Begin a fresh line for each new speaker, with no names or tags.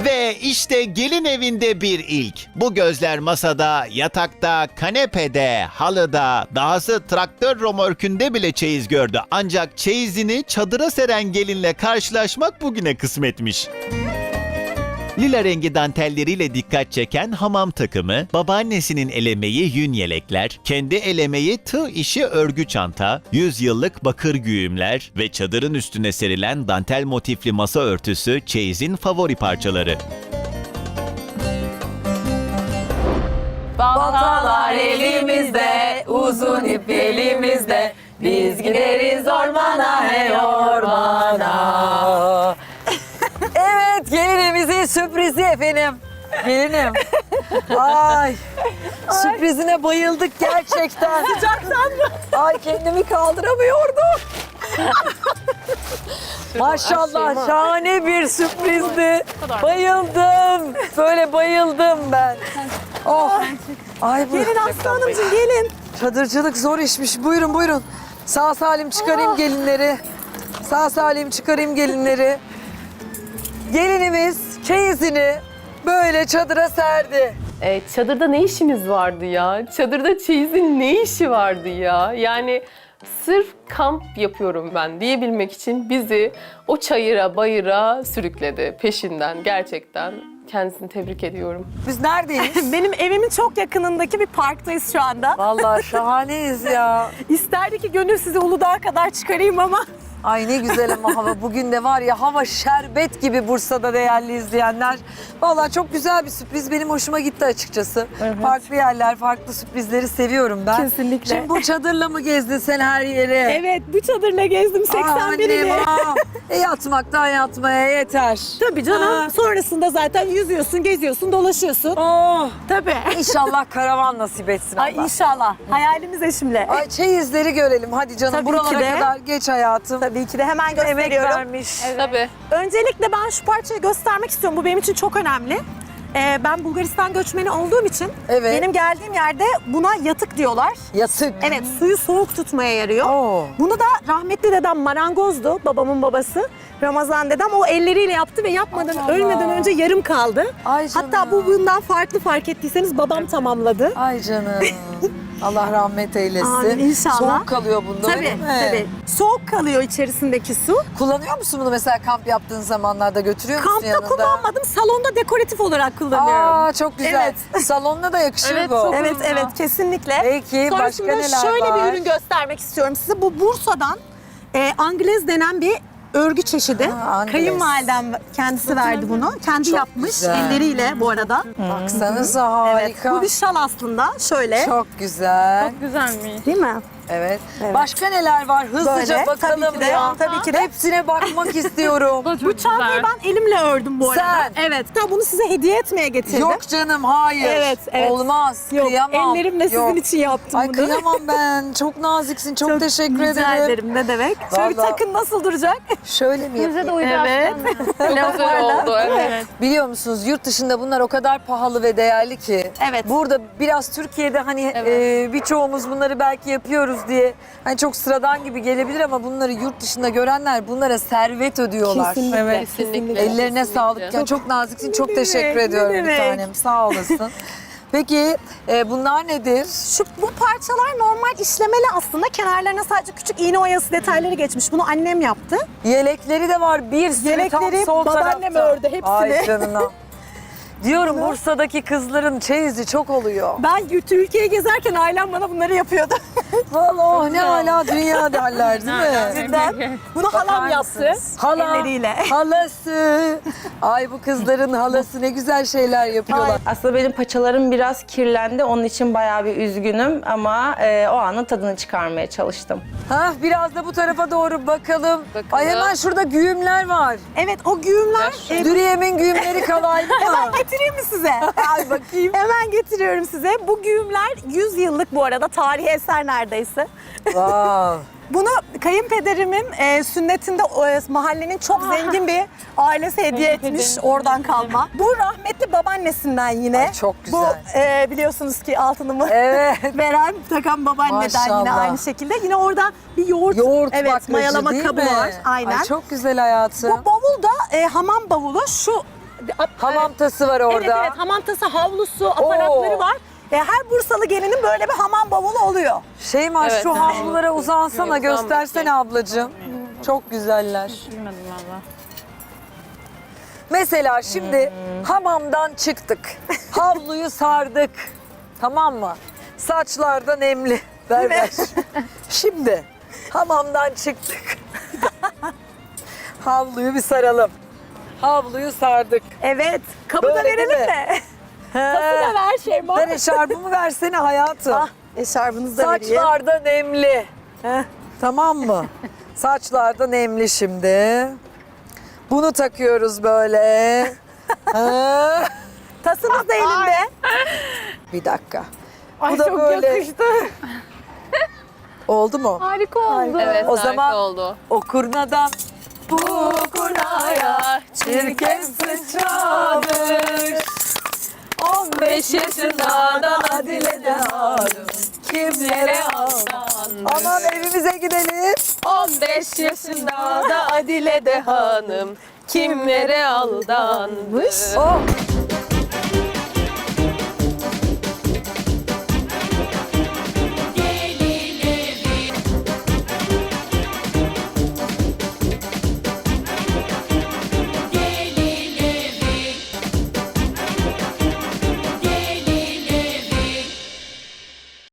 Ve işte gelin evinde bir ilk. Bu gözler masada, yatakta, kanepede, halıda, dahası traktör romörkünde bile çeyiz gördü. Ancak çeyizini çadıra seren gelinle karşılaşmak bugüne kısmetmiş. Lila rengi dantelleriyle dikkat çeken hamam takımı, babaannesinin elemeyi yün yelekler, kendi elemeyi tığ işi örgü çanta, 100 yıllık bakır güğümler ve çadırın üstüne serilen dantel motifli masa örtüsü çeyizin favori parçaları.
Baltalar elimizde, uzun ip elimizde. Biz gideriz ormana, hey ormana. Evet, gelinimizin sürprizi efendim. Gelinim. Ay, sürprizine bayıldık gerçekten. Sıcaktan mı? Ay, kendimi kaldıramıyordum. Maşallah, şahane bir sürprizdi. Bayıldım. Böyle bayıldım ben. Oh. Ay bu.
Gelin Aslı Hanımcığım, gelin.
Çadırcılık zor işmiş. Buyurun buyurun. Sağ salim çıkarayım gelinleri. Sağ salim çıkarayım gelinleri. Gelinimiz çeyizini böyle çadıra serdi.
Çadırda ne işimiz vardı ya? Çadırda çeyizin ne işi vardı ya? Yani sırf kamp yapıyorum ben diyebilmek için bizi o çayıra bayıra sürükledi peşinden. Gerçekten kendisini tebrik ediyorum.
Biz neredeyiz?
Benim evimin çok yakınındaki bir parktayız şu anda.
Vallahi şahaneyiz ya.
İsterdi ki gönül sizi Uludağ'a kadar çıkarayım ama
Ay ne güzel ama hava. Bugün de var ya, hava şerbet gibi Bursa'da değerli izleyenler. Vallahi çok güzel bir sürpriz. Benim hoşuma gitti açıkçası. Farklı yerler, farklı sürprizleri seviyorum ben.
Kesinlikle.
Şimdi bu çadırla mı gezdin sen her yere?
evet, bu çadırla gezdim 81'ini.
Yatmaktan yatmaya yeter.
Tabii canım. Sonrasında zaten yüzüyorsun, geziyorsun, dolaşıyorsun.
Oh,
Tabii.
İnşallah karavan nasip etsin
Ay
Allah.
inşallah. Hayalimiz eşimle.
Ay çeyizleri görelim hadi canım.
Tabii
Buralara
ki de.
kadar geç hayatım.
Tabii ki de hemen
Emek
gösteriyorum.
vermiş.
Tabii.
Öncelikle ben şu parçayı göstermek istiyorum. Bu benim için çok önemli. Ben Bulgaristan göçmeni olduğum için
Evet.
benim geldiğim yerde buna yatık diyorlar.
Yatık.
Evet, suyu soğuk tutmaya yarıyor.
Oo.
Bunu da rahmetli dedem marangozdu, babamın babası. Ramazan dedem o elleriyle yaptı ve yapmadan,
Allah
ölmeden
Allah.
önce yarım kaldı.
Ay canım.
Hatta bu bundan fark ettiyseniz babam tamamladı.
Ay canım. Allah rahmet eylesin.
Amin, inşallah.
Soğuk kalıyor bunda
Tabii,
değil mi?
tabii. Soğuk kalıyor içerisindeki su.
Kullanıyor musun bunu mesela kamp yaptığın zamanlarda, götürüyor musun
Kampta
yanında?
kullanmadım, salonda dekoratif olarak kullanıyorum.
Aa çok güzel. Salonuna da yakışır
Evet,
bu.
çok-
Evet, evet, kesinlikle.
Peki başka
Sonrasında
neler
şöyle
var?
bir ürün göstermek istiyorum size. Bu Bursa'dan Anglez denen bir örgü çeşidi.
Anglez.
Kayınvalidem kendisi verdi bunu. Kendi
Çok
yapmış
güzel.
elleriyle bu arada.
Baksanıza
Evet,
harika.
bu bir şal aslında. Şöyle.
Çok güzel.
Güzelmiş.
Değil mi?
Evet.
Evet.
Başka neler var? Hızlıca
Böyle,
bakalım
tabii ki de,
ya.
tabii ki de.
Hepsine bakmak istiyorum.
Bu çantayı ben elimle ördüm bu arada.
Sen?
Evet. Hatta bunu size hediye etmeye getirdim.
Yok canım hayır.
Evet, evet.
Olmaz.
Yok,
Kıyamam.
ellerimle sizin
Yok.
için yaptım
Ay
bunu.
kıyamam ben. Çok naziksin. Çok teşekkür
Rica
ederim.
ederim. Ne demek? Şöyle bir
Vallahi-
takın nasıl duracak?
Şöyle mi yapayım?
Evet.
Çok güzel oldu. Evet.
Biliyor musunuz yurt dışında bunlar o kadar pahalı ve değerli ki.
Evet.
Burada biraz Türkiye'de hani birçoğumuz bunları belki yapıyoruz diye hani çok sıradan gibi gelebilir ama bunları yurt dışında görenler bunlara servet ödüyorlar.
Kesinlikle.
Evet.
Kesinlikle.
Ellerine
Kesinlikle.
sağlık. Yani çok naziksin. Çok
Ne
teşekkür
demek, ne
ediyorum bir
demek.
tanem. Sağ olasın. Peki bunlar nedir?
Bu parçalar normal işlemeli aslında. Kenarlarına sadece küçük iğne oyası detayları geçmiş. Bunu annem yaptı.
Yelekleri de var bir sürü
Yelekleri
tam sol
babaannem
tarafta.
ördü hepsini.
Ay canına. Diyorum Bursa'daki kızların çeyizi çok oluyor.
Ben Türkiye'yi gezerken ailem bana bunları yapıyordu.
Vallahi ne hala dünya derler değil mi?
Cidden. Bunu halam yaptı.
Hala,
Elleriyle.
halası. Ay bu kızların halası ne güzel şeyler yapıyorlar.
Aslında benim paçalarım biraz kirlendi. Onun için bayağı bir üzgünüm ama o anın tadını çıkarmaya çalıştım.
Ha biraz da bu tarafa doğru bakalım. Ay hemen şurada güğümler var.
Evet, o güğümler...
Dürüyemin güğümleri kalaylı mı?
Hemen getireyim mi size?
Ay bakayım.
Hemen getiriyorum size. Bu güğümler 100 yıllık bu arada. Tarihi eser neredeyse.
Wow.
Bunu kayınpederimin sünnetinde mahallenin çok zengin bir ailesi hediye etmiş, oradan kalma. Bu rahmetli babaannesinden yine.
Ay, çok güzel.
Bu biliyorsunuz ki altınımı
Evet.
veren, takan babaanneden yine
Maşallah.
aynı şekilde. Yine orada bir yoğurt,
Yoğurt
evet,
baklacı
mayalama
değil
kabı
mi?
var. Aynen.
Ay çok güzel hayatım.
Bu bavul da hamam bavulu. Şu
Hamam tası var orada.
Evet evet, hamam tası, havlusu, aparatları
Oo.
var. Her Bursalı gelinin böyle bir hamam bavulu oluyor.
Şeyma
Evet,
şu
evet.
havlulara uzansana,
Yok,
göstersene ablacığım. Çok güzeller. Mesela şimdi hamamdan çıktık. Havluyu sardık. Tamam mı? Saçlarda nemli. Ver ver. Şimdi hamamdan çıktık. Havluyu bir saralım. Havluyu sardık.
Evet, kabı da
Böyle
verelim
değil mi?
mi? Tası da ver Şeyma.
Ver eşarbımı versene hayatım.
Ah, eşarbınızı da vereyim.
Saçlarda nemli. Tamam mı? Saçlarda nemli şimdi. Bunu takıyoruz böyle. Ha.
Tasınız da elinde.
Bir dakika.
Ay
Bu da
çok
böyle.
yakıştı.
Oldu mu?
Harika oldu.
Evet,
O
harika
zaman-
oldu.
O kurnadan bu kurnaya çirkin sıçramış. 15 yaşında da Adile de hanım kimlere aldanmış. Aman evimize gidelim.
15 yaşında da Adile de hanım kimlere aldanmış.
Oh.